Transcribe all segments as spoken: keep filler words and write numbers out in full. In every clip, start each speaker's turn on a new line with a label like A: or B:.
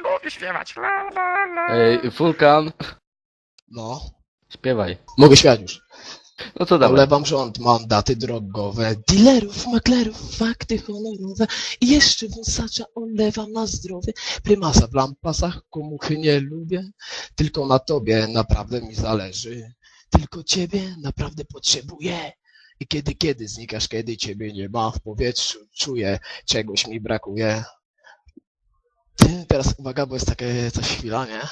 A: Lubię śpiewać. La, la, la.
B: Ej, Wulkan,
C: No,
B: śpiewaj.
C: mogę śmiać już.
B: No to dawaj.
C: Olewam rząd, mandaty drogowe, dealerów, maklerów, fakty honorowe i jeszcze wąsacza olewam na zdrowie. Prymasa w lampasach, komuchy nie lubię, tylko na tobie naprawdę mi zależy. Tylko ciebie naprawdę potrzebuję. I kiedy, kiedy znikasz, kiedy ciebie nie ma w powietrzu, czuję, czegoś mi brakuje. Ty, teraz uwaga, bo jest takie coś chwila, nie?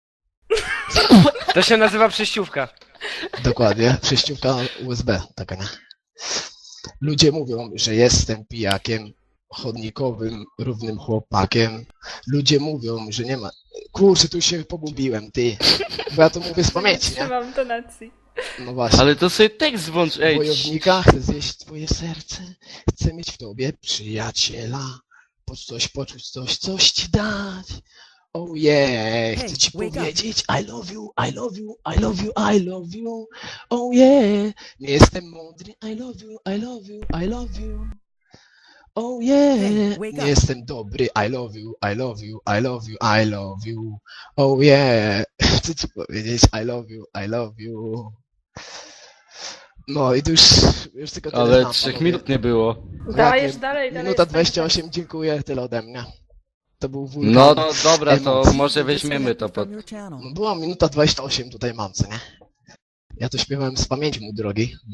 A: To się nazywa przejściówka.
C: Dokładnie, przejściówka U S B, taka nie. Ludzie mówią, że jestem pijakiem, chodnikowym, równym chłopakiem. Ludzie mówią, że nie ma... Kurczę, tu się pogubiłem, ty. Bo ja to mówię z pamięci, nie?
D: Trzymam tonacji.
C: No właśnie.
B: Ale to sobie tekst włącz, ej.
C: Wojownika, chcę zjeść twoje serce, chcę mieć w tobie przyjaciela, poczuć coś, poczuć coś, coś ci dać. Oh yeah, chcę ci
E: wake up.
C: powiedzieć I love you, I love you, I love you, I love you. Oh yeah, nie jestem mądry, I love you, I love you, I love you. Oh yeah,
E: Hey, wake
C: nie
E: up.
C: jestem dobry, I love you, I love you, I love you, I love you. Oh yeah, chcę ci powiedzieć I love you, I love you. No i to już, już tylko tyle
B: Ale
C: znam,
B: trzech
C: panowie.
B: minut nie było.
D: Dajesz dalej, dalej.
C: Minuta
D: jest
C: dwadzieścia osiem, dziękuję, tyle ode mnie. To był wulkan.
B: No, no dobra, to
C: emocji.
B: może weźmiemy to pod...
E: From your channel.
C: No była minuta dwadzieścia osiem, tutaj mam, co nie? Ja to śpiewałem z pamięci, mój drogi.